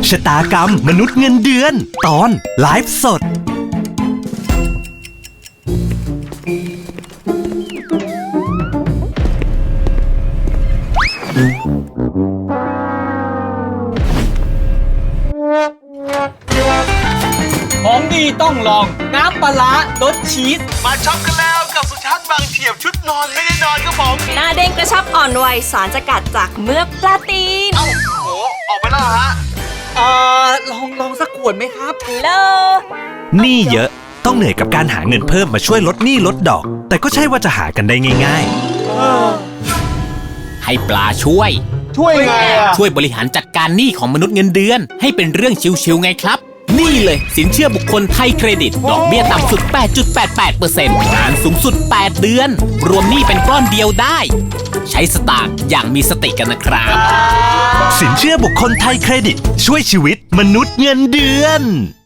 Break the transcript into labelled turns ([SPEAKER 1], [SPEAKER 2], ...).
[SPEAKER 1] ชะตากรรมมนุษย์เงินเดือนตอนไลฟ์สด
[SPEAKER 2] ของดีต้องลองน้ำปลาร้ารสชีส
[SPEAKER 3] มาช็อปกันแล้วกับสุชาติบางเฉียบชุดนอนไม่ได้นอนครับผม
[SPEAKER 4] หน้าเด้งกระชับอ่อนวัยสารสกัดจากเมือกปลาตีน
[SPEAKER 3] เอ้าโหออกไปแล้วเหรอฮะ
[SPEAKER 2] ลองสักขวดไหมครับ
[SPEAKER 4] เล
[SPEAKER 1] หนี้เยอะต้องเหนื่อยกับการหาเงินเพิ่มมาช่วยลดหนี้ลดดอกแต่ก็ใช่ว่าจะหากันได้ง่าย
[SPEAKER 5] ให้ปลาช่วย
[SPEAKER 3] ช่วยไงอ่ะ
[SPEAKER 5] ช่วยบริหารจัดการหนี้ของมนุษย์เงินเดือนให้เป็นเรื่องชิวๆไงครับนี่เลยสินเชื่อบุคคลไทยเครดิตดอกเบี้ยต่ำสุด 8.88% นานสูงสุด 8 เดือน รวมหนี้เป็นก้อนเดียวได้ ใช้สตางค์อย่างมีสติกันนะครับ
[SPEAKER 1] ๆสินเชื่อบุคคลไทยเครดิตช่วยชีวิตมนุษย์เงินเดือน